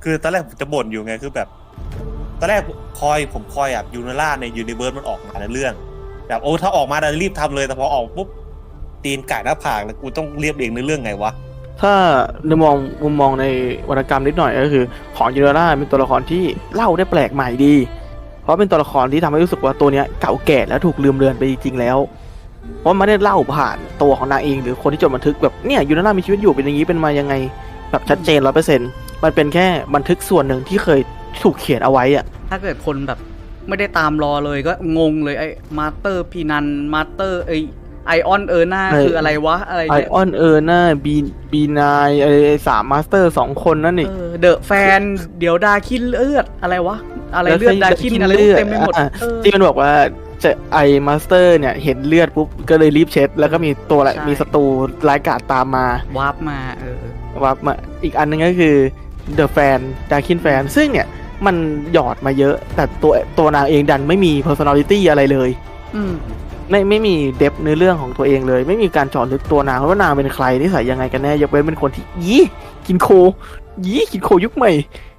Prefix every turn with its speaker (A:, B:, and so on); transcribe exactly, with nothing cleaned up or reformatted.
A: คือตอนแรกผมจะบ่นอยู่ไงคือแบบตอนแรกคอยผมคอยแบบยูนาร่าในยูนิเวิร์สมันออกมาในเรื่องแบบโอ้ถ้าออกมาเรารีบทำเลยแต่พอออกปุ๊บตีนไก่หน้าผากแล้วกูต้องเรียบเรียงในเรื่องไงวะ
B: ถ้าในมองมุมมองในวรรณกรรมนิดหน่อยก็คือของยูเนล่าเป็นตัวละครที่เล่าได้แปลกใหม่ดีเพราะเป็นตัวละครที่ทำให้รู้สึกว่าตัวเนี้ยเก่าแก่แล้วถูกลืมเลือนไปจริงๆแล้วเพราะไม่ได้เล่าผ่านตัวของนางเองหรือคนที่จดบันทึกแบบเนี่ยยูเนล่ามีชีวิตอยู่เป็นอย่างนี้เป็นมายังไงแบบชัดเจนร้อยเปอร์เซ็นต์มันเป็นแค่บันทึกส่วนหนึ่งที่เคยถูกเขียนเอาไว้อะ
C: ถ้าเกิดคนแบบไม่ได้ตามรอเลยก็งงเลยไอ้มาสเตอร์พีนันมาสเตอร์ไอไอออนเออร์นาคืออะไรวะอะไร
B: ไอออนเออร์นาบีบีนายไอสามมาสเตอร์สองคนนั่นนี่
C: เดอะแฟนเดี๋ยวดาคินเลือดอะไรวะอะไรเลือดดาคินอะไรเต็มไปหมด
B: ที่มันบอกว่าจะไอมาสเตอร์เนี่ยเห็นเลือดปุ๊บก็เลยรีบเช็ดแล้วก็มีตัวอะไรมีศัตรูร้ายกาจตามมาว
C: าร์ปมาเออ
B: วาร์ปมาอีกอันนึงก็คือเดอะแฟนดาคินแฟนซึ่งเนี่ยมันหยอดมาเยอะแต่ตัวตัวนางเองดันไม่มี personality อะไรเลย
C: อืม
B: ไม่ไม่มีเดฟเนื้อเรื่องของตัวเองเลยไม่มีการเจาะลึกตัวนางว่านางเป็นใครนิสัยยังไงกันแน่ยกเว้นเป็นคนที่ยี่กินโคยี่กินโคยุคใหม่